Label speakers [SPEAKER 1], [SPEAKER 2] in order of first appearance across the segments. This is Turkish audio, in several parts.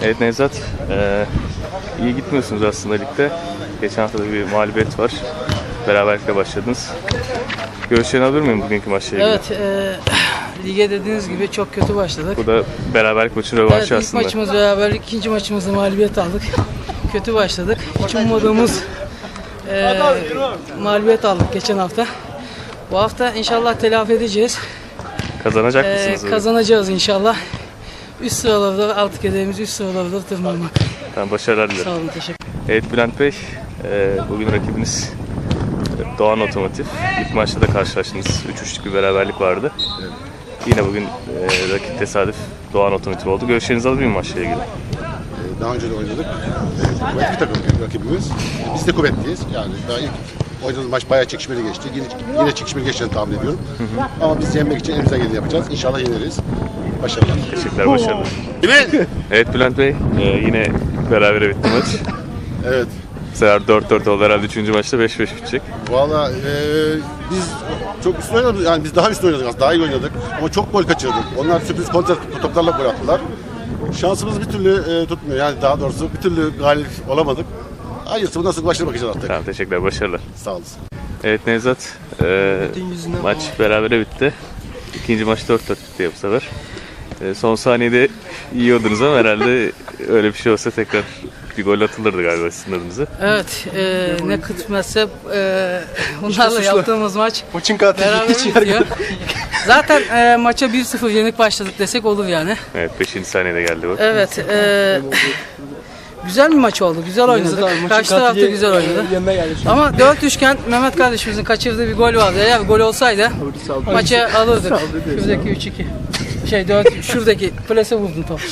[SPEAKER 1] Evet Nevzat, iyi gitmiyorsunuz aslında ligde. Geçen hafta da bir mağlubiyet var. Beraberlikle başladınız. Görüşlerini alır mıyım bugünkü maçla ilgili?
[SPEAKER 2] Evet, lige dediğiniz gibi çok kötü başladık.
[SPEAKER 1] Bu da beraberlik maçının rövanşı
[SPEAKER 2] Evet, ilk
[SPEAKER 1] aslında.
[SPEAKER 2] maçımız beraberlik, ikinci maçımızda mağlubiyet aldık. Kötü başladık. Hiç ummadığımız mağlubiyet aldık geçen hafta. Bu hafta inşallah telafi edeceğiz.
[SPEAKER 1] Kazanacak mısınız?
[SPEAKER 2] Kazanacağız inşallah. Üst sıralarda, artık hedefimiz üst sıralarda tırmanmak.
[SPEAKER 1] Tamam, başarılar dilerim.
[SPEAKER 2] Sağ olun, teşekkür ederim.
[SPEAKER 1] Evet Bülent Bey, bugün rakibiniz Doğan Otomotiv. İlk maçta da karşılaştınız. 3-3'lük bir beraberlik vardı.
[SPEAKER 3] Evet.
[SPEAKER 1] Yine bugün rakip tesadüf Doğan Otomotiv oldu. Görüşlerinizi alır mıyım maçla ilgili?
[SPEAKER 3] Daha önce de oynadık. Kuvvetli bir takım rakibimiz. Biz de kuvvetliyiz. Yani daha ilk oynadığımız maç bayağı çekişmeli geçti. Yine çekişmeli geçeceğini tahmin ediyorum. Ama biz yenmek için elimizden geleni yapacağız. İnşallah yeneriz. Başarılar.
[SPEAKER 1] Teşekkürler, başarılar. Evet Bülent Bey, yine berabere bitti maç.
[SPEAKER 3] Evet.
[SPEAKER 1] Bu sefer 4-4 oldu herhalde, 3. maçta 5-5 bitecek.
[SPEAKER 3] Valla biz çok üstün oynadık. Yani biz daha üstün oynadık aslında. Daha iyi oynadık. Ama çok gol kaçırdık. Onlar sürpriz kontra toplarla gol attılar. Şansımız bir türlü tutmuyor. Yani daha doğrusu bir türlü galip olamadık. Hayırlısı, bundan sonra başına bakacağız artık.
[SPEAKER 1] Tamam, teşekkürler, başarılar.
[SPEAKER 3] Sağ olasın.
[SPEAKER 1] Evet Nevzat, maç berabere bitti. İkinci maç 4-4 bitti ya bu sefer. Son saniyede yiyordunuz ama herhalde öyle bir şey olsa tekrar bir gol atılırdı galiba sizin adınıza.
[SPEAKER 2] Evet, ne kısmetse onlarla yaptığımız maç
[SPEAKER 4] Maçın katili
[SPEAKER 2] beraber bitiyor. Zaten maça 1-0 yenik başladık desek olur yani.
[SPEAKER 1] Evet, 5. saniyede geldi bu.
[SPEAKER 2] Evet, güzel bir maç oldu, güzel oynadık. Karşı tarafta güzel oynadı. Ama 4-3'ken Mehmet kardeşimizin kaçırdığı bir gol vardı. Eğer bir gol olsaydı maçı alırdık. Şuradaki 3-2. 4, şuradaki plase vurdum top.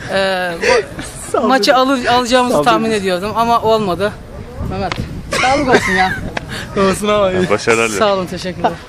[SPEAKER 2] Maçı alacağımızı tahmin ediyordum ama olmadı. Mehmet, sağlık olsun ya.
[SPEAKER 4] Olsun ama.
[SPEAKER 1] Başarılar dilerim.
[SPEAKER 2] Sağ olun, teşekkürler.